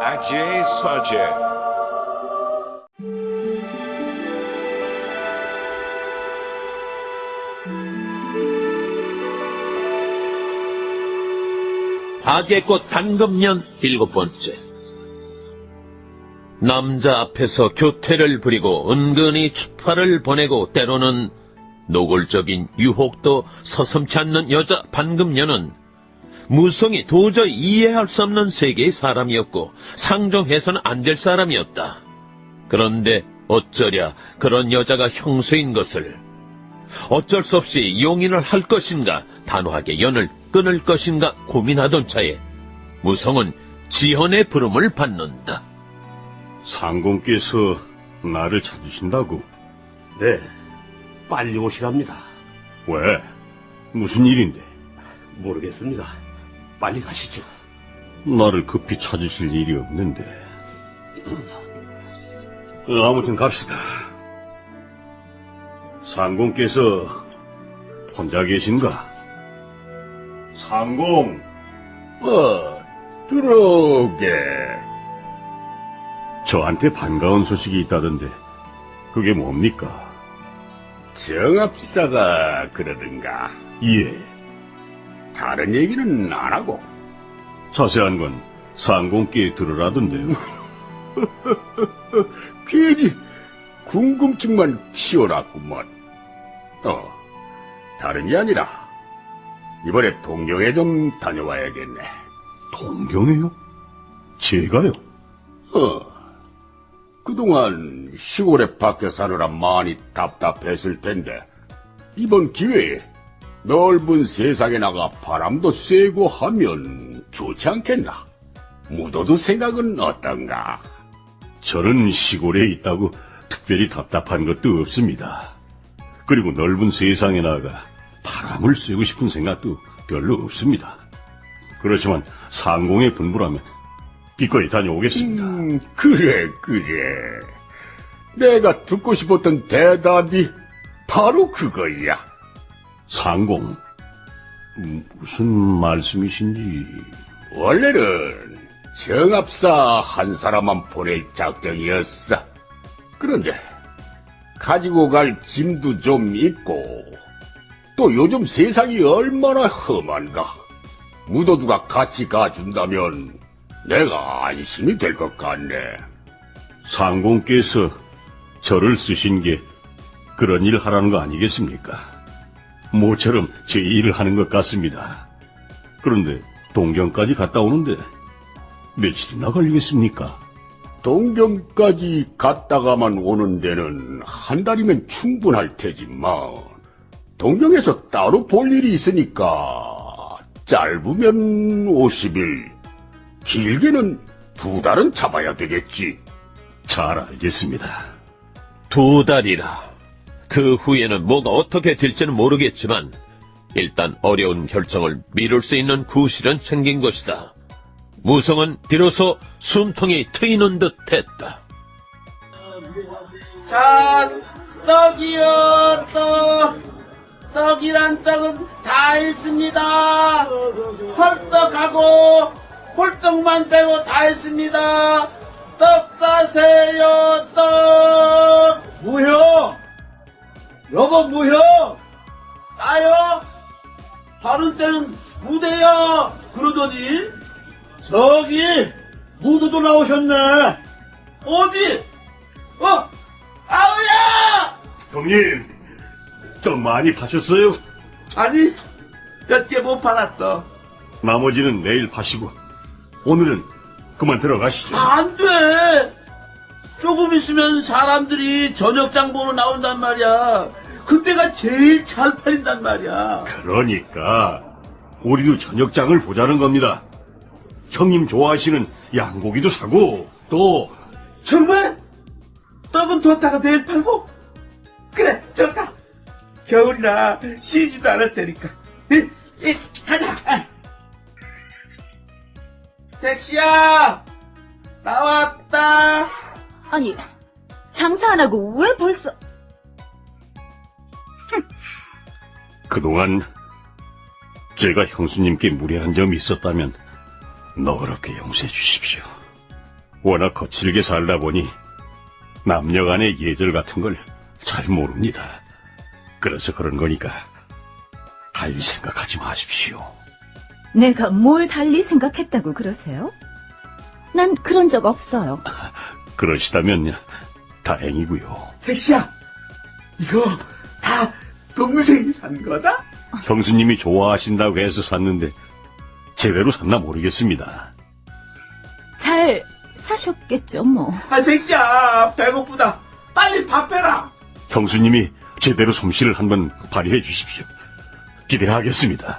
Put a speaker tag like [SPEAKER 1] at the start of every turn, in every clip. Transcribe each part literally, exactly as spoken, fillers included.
[SPEAKER 1] Ajay Sajay.
[SPEAKER 2] 박애꽃 단금년 일곱 번째. 남자 앞에서 교태를 부리고 은근히 추파를 보내고 때로는 노골적인 유혹도 서슴지 않는 여자 반금년은 무성이 도저히 이해할 수 없는 세계의 사람이었고 상종해서는 안 될 사람이었다. 그런데 어쩌랴 그런 여자가 형수인 것을. 어쩔 수 없이 용인을 할 것인가 단호하게 연을 끊을 것인가 고민하던 차에 무성은 지헌의 부름을 받는다.
[SPEAKER 3] 상공께서 나를 찾으신다고?
[SPEAKER 4] 네, 빨리 오시랍니다.
[SPEAKER 3] 왜? 무슨 일인데?
[SPEAKER 4] 모르겠습니다. 빨리 가시죠.
[SPEAKER 3] 나를 급히 찾으실 일이 없는데. 어, 아무튼 갑시다. 상공께서 혼자 계신가? 상공! 어, 들어오게. 저한테 반가운 소식이 있다던데, 그게 뭡니까?
[SPEAKER 5] 정합사가 그러든가.
[SPEAKER 3] 예,
[SPEAKER 5] 다른 얘기는 안 하고.
[SPEAKER 3] 자세한 건 상공께 들으라던데요.
[SPEAKER 5] 괜히 궁금증만 키워놨구먼. 어, 다른 게 아니라 이번에 동경에 좀 다녀와야겠네.
[SPEAKER 3] 동경에요? 제가요?
[SPEAKER 5] 어, 그동안 시골에 밖에 사느라 많이 답답했을 텐데 이번 기회에 넓은 세상에 나가 바람도 쐬고 하면 좋지 않겠나? 묻어두 생각은 어떤가?
[SPEAKER 3] 저는 시골에 있다고 특별히 답답한 것도 없습니다. 그리고 넓은 세상에 나가 바람을 쐬고 싶은 생각도 별로 없습니다. 그렇지만 상공의 분부라면 기꺼이 다녀오겠습니다.
[SPEAKER 5] 음, 그래, 그래. 내가 듣고 싶었던 대답이 바로 그거야.
[SPEAKER 3] 상공, 음, 무슨 말씀이신지...
[SPEAKER 5] 원래는 정합사 한 사람만 보낼 작정이었어. 그런데 가지고 갈 짐도 좀 있고 또 요즘 세상이 얼마나 험한가. 무도두가 같이 가준다면 내가 안심이 될 것 같네.
[SPEAKER 3] 상공께서 저를 쓰신 게 그런 일 하라는 거 아니겠습니까? 모처럼 제 일을 하는 것 같습니다. 그런데 동경까지 갔다 오는데 며칠이나 걸리겠습니까?
[SPEAKER 5] 동경까지 갔다가만 오는 데는 한 달이면 충분할 테지만 동경에서 따로 볼 일이 있으니까 짧으면 오십 일, 길게는 두 달은 잡아야 되겠지.
[SPEAKER 3] 잘 알겠습니다.
[SPEAKER 2] 두 달이라. 그 후에는 뭐가 어떻게 될지는 모르겠지만 일단 어려운 결정을 미룰 수 있는 구실은 생긴 것이다. 무성은 비로소 숨통이 트이는 듯 했다.
[SPEAKER 6] 자, 떡이요, 떡. 떡이란 떡은 다 있습니다. 헐떡하고 홀떡만 빼고 다 있습니다. 떡 사세요, 떡.
[SPEAKER 7] 뭐요? 여보 뭐요?
[SPEAKER 6] 나요? 다른 때는 무대야 그러더니
[SPEAKER 7] 저기 무도도 나오셨네.
[SPEAKER 6] 어디? 어? 아우야!
[SPEAKER 3] 형님, 떡 많이 파셨어요?
[SPEAKER 6] 아니, 몇 개 못 팔았어.
[SPEAKER 3] 나머지는 내일 파시고 오늘은 그만 들어가시죠.
[SPEAKER 6] 안 돼! 조금 있으면 사람들이 저녁장 보러 나온단 말이야. 그때가 제일 잘 팔린단 말이야.
[SPEAKER 3] 그러니까 우리도 저녁장을 보자는 겁니다. 형님 좋아하시는 양고기도 사고 또
[SPEAKER 6] 정말? 떡은 뒀다가 내일 팔고? 그래, 좋다. 겨울이라 쉬지도 않을 테니까. 이, 이, 가자. 아. 택시야! 나왔다.
[SPEAKER 8] 아니, 장사 안 하고 왜 벌써...
[SPEAKER 3] 그동안 제가 형수님께 무례한 점이 있었다면 너그럽게 용서해 주십시오. 워낙 거칠게 살다 보니 남녀 간의 예절 같은 걸 잘 모릅니다. 그래서 그런 거니까 달리 생각하지 마십시오.
[SPEAKER 8] 내가 뭘 달리 생각했다고 그러세요? 난 그런 적 없어요.
[SPEAKER 3] 그러시다면 다행이고요.
[SPEAKER 6] 택시야, 이거 다 동생이 산 거다?
[SPEAKER 3] 형수님이 좋아하신다고 해서 샀는데 제대로 샀나 모르겠습니다.
[SPEAKER 8] 잘 사셨겠죠, 뭐.
[SPEAKER 6] 아, 택시야, 배고프다. 빨리 밥 해라.
[SPEAKER 3] 형수님이 제대로 솜씨를 한번 발휘해 주십시오. 기대하겠습니다.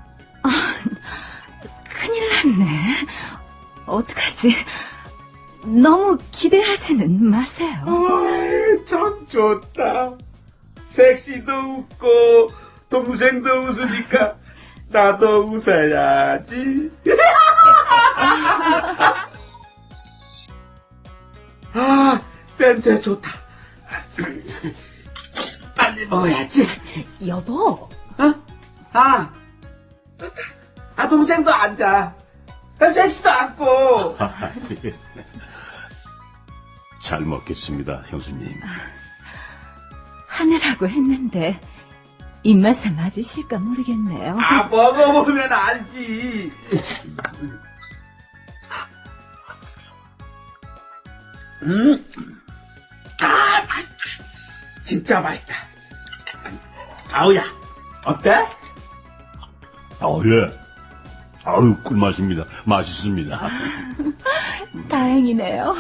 [SPEAKER 8] 큰일 났네. 어떡하지? 너무 기대하지는 마세요.
[SPEAKER 6] 아이, 참 좋다. 섹시도 웃고 동생도 웃으니까 나도 웃어야지. 아, 냄새 좋다. 빨리 먹어야지.
[SPEAKER 8] 여보,
[SPEAKER 6] 어? 아, 아, 동생도 앉아. 아, 섹시도 앉고.
[SPEAKER 3] 잘 먹겠습니다, 형수님.
[SPEAKER 8] 하느라고 했는데 입맛에 맞으실까 모르겠네요.
[SPEAKER 6] 아, 먹어보면 알지. 음, 아, 맛있다. 진짜 맛있다. 아우야, 어때?
[SPEAKER 3] 아, 예. 아유, 꿀맛입니다. 맛있습니다.
[SPEAKER 8] 다행이네요.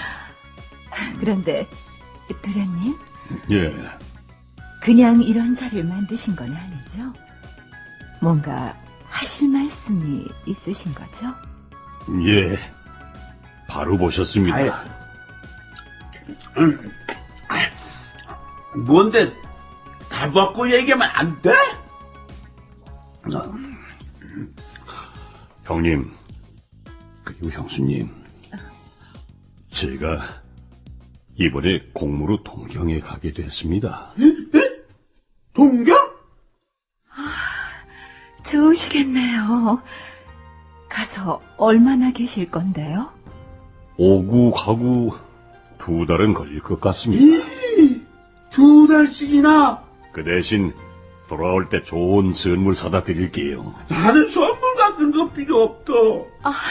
[SPEAKER 8] 그런데 도련님,
[SPEAKER 3] 예.
[SPEAKER 8] 그냥 이런 자리를 만드신 건 아니죠? 뭔가 하실 말씀이 있으신 거죠?
[SPEAKER 3] 예. 바로 보셨습니다.
[SPEAKER 6] 아유. 음, 아, 뭔데 다 먹고 얘기하면 안 돼?
[SPEAKER 3] 형님, 그리고 형수님, 제가 이번에 공무로 동경에 가게 됐습니다.
[SPEAKER 6] 동경?
[SPEAKER 8] 좋으시겠네요. 가서 얼마나 계실 건데요?
[SPEAKER 3] 오구 가구 두 달은 걸릴 것 같습니다.
[SPEAKER 6] 두 달씩이나?
[SPEAKER 3] 그 대신 돌아올 때 좋은 선물 사다 드릴게요.
[SPEAKER 6] 나는 선물 같은 거 필요 없어.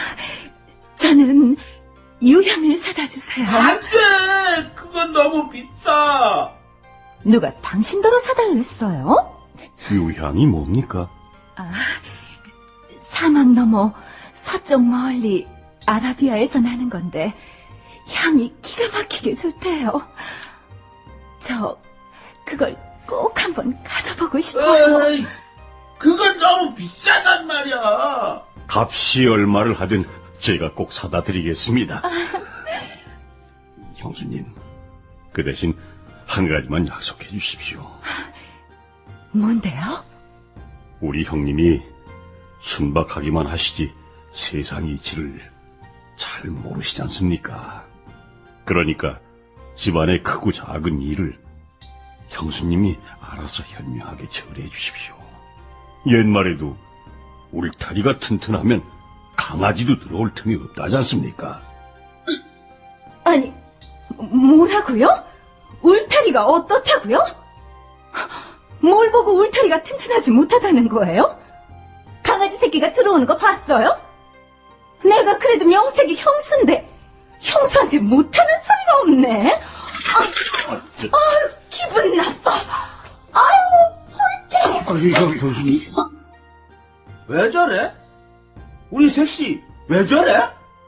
[SPEAKER 8] 저는 유향을 사다 주세요.
[SPEAKER 6] 안 돼! 그건 너무 비싸.
[SPEAKER 8] 누가 당신더러 사달랬어요?
[SPEAKER 3] 유향이 뭡니까?
[SPEAKER 8] 사막 너머 서쪽 멀리 아라비아에서 나는 건데 향이 기가 막히게 좋대요. 저 그걸 꼭 한번 가져보고 싶어요.
[SPEAKER 6] 에이, 그건 너무 비싸단 말이야.
[SPEAKER 3] 값이 얼마를 하든 제가 꼭 사다 드리겠습니다. 형수님, 그 대신 한 가지만 약속해 주십시오.
[SPEAKER 8] 뭔데요?
[SPEAKER 3] 우리 형님이 순박하기만 하시지 세상 이치를 잘 모르시지 않습니까? 그러니까 집안의 크고 작은 일을 형수님이 알아서 현명하게 처리해 주십시오. 옛말에도 울타리가 튼튼하면 강아지도 들어올 틈이 없다지 않습니까?
[SPEAKER 8] 아니, 뭐라고요? 울타리가 어떻다고요? 뭘 보고 울타리가 튼튼하지 못하다는 거예요? 강아지 새끼가 들어오는 거 봤어요? 내가 그래도 명색이 형수인데 형수한테 못하는 소리가 없네. 아, 아유, 기분 나빠. 아유, 소리째.
[SPEAKER 6] 아니, 형, 형수님. 왜 저래? 우리 셋이 왜 저래?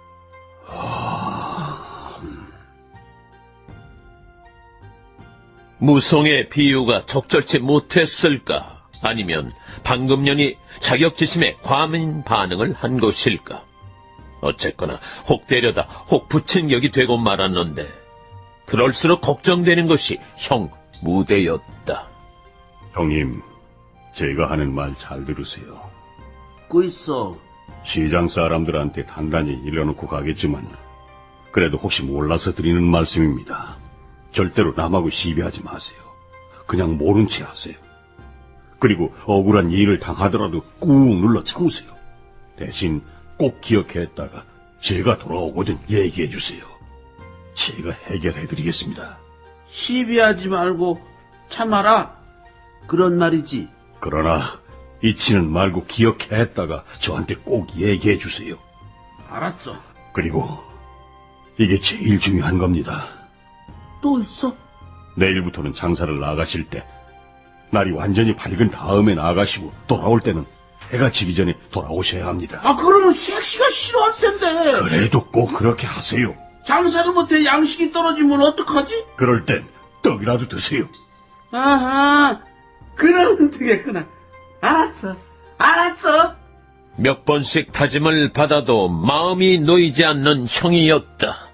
[SPEAKER 2] 무송의 비유가 적절치 못했을까? 아니면 방금년이 자격지심에 과민 반응을 한 것일까? 어쨌거나 혹 때려다 혹 붙인 격이 되고 말았는데 그럴수록 걱정되는 것이 형 무대였다.
[SPEAKER 3] 형님, 제가 하는 말 잘 들으세요.
[SPEAKER 6] 고 있어.
[SPEAKER 3] 시장 사람들한테 단단히 일러놓고 가겠지만 그래도 혹시 몰라서 드리는 말씀입니다. 절대로 남하고 시비하지 마세요. 그냥 모른 체 하세요. 그리고 억울한 일을 당하더라도 꾹 눌러 참으세요. 대신 꼭 기억했다가 제가 돌아오거든 얘기해 주세요. 제가 해결해 드리겠습니다.
[SPEAKER 6] 시비하지 말고 참아라. 그런 말이지.
[SPEAKER 3] 그러나 잊지는 말고 기억했다가 저한테 꼭 얘기해 주세요.
[SPEAKER 6] 알았어.
[SPEAKER 3] 그리고 이게 제일 중요한 겁니다.
[SPEAKER 6] 또 있어?
[SPEAKER 3] 내일부터는 장사를 나가실 때 날이 완전히 밝은 다음에 나가시고 돌아올 때는 해가 지기 전에 돌아오셔야 합니다.
[SPEAKER 6] 아, 그러면 섹시가 싫어할 텐데.
[SPEAKER 3] 그래도 꼭 그렇게 하세요.
[SPEAKER 6] 장사를 못해 양식이 떨어지면 어떡하지?
[SPEAKER 3] 그럴 땐 떡이라도 드세요.
[SPEAKER 6] 아하, 그러면 되겠구나. 알았어, 알았어.
[SPEAKER 2] 몇 번씩 다짐을 받아도 마음이 놓이지 않는 형이었다.